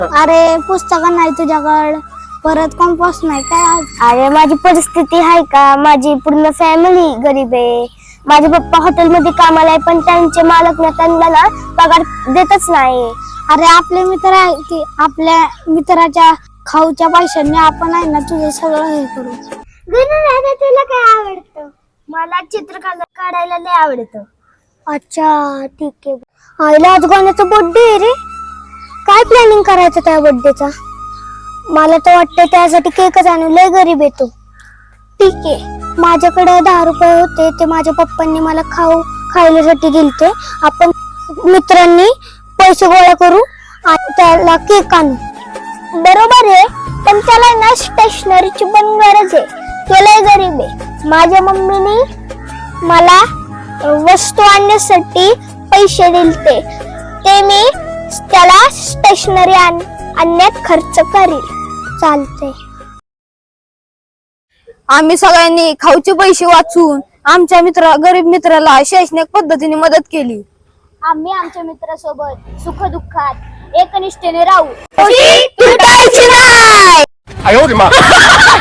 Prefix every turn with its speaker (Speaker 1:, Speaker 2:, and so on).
Speaker 1: अरे पुस्तक नाही तुझ्याकडं, परत कंपास नाही काय?
Speaker 2: अरे माझी परिस्थिती आहे का? माझी पूर्ण फॅमिली गरीब आहे. माझे पप्पा हॉटेलमध्ये कामाला आहे, पण त्यांचे मालक त्यांना ना पगार देतच नाही.
Speaker 1: अरे आपले मित्र आहे की, आपल्या मित्राच्या खाऊच्या पैशांनी आपण आहे ना तुझं सगळं हे करू.
Speaker 2: तुला काय आवडतं? मला चित्र काढायला लय आवडतं.
Speaker 1: अच्छा ठीक आहे. आईला आज गाण्याचा बर्थडे आहे रे. काय प्लॅनिंग करायचं त्या बर्थडेचा? मला तर वाटतं त्यासाठी केकच आणू. लय गरीब येतो. ठीक आहे, माझ्याकडे 10 रुपये होते, ते माझ्या पप्पांनी मला खायल्यासाठी दिलते. आपण मित्रांनी पैसे गोळा करू आणि त्याला केक आणू.
Speaker 2: बरोबर आहे, पण त्याला ना स्टेशनरीची पण गरज आहे. तो लय गरीब आहे. माझ्या मम्मीने मला वस्तू आणण्यासाठी पैसे दिलते, ते मी त्याला स्टेशनरी आणण्यात खर्च करील.
Speaker 1: चालते.
Speaker 3: आम्ही सगळ्यांनी खाऊचे पैसे वाचून आमच्या गरीब मित्राला शैक्षणिक पद्धतीने मदत केली.
Speaker 2: आम्ही आमच्या मित्रासोबत सुख दुःखात एकनिष्ठेने राहू.
Speaker 3: तुटायची नाही.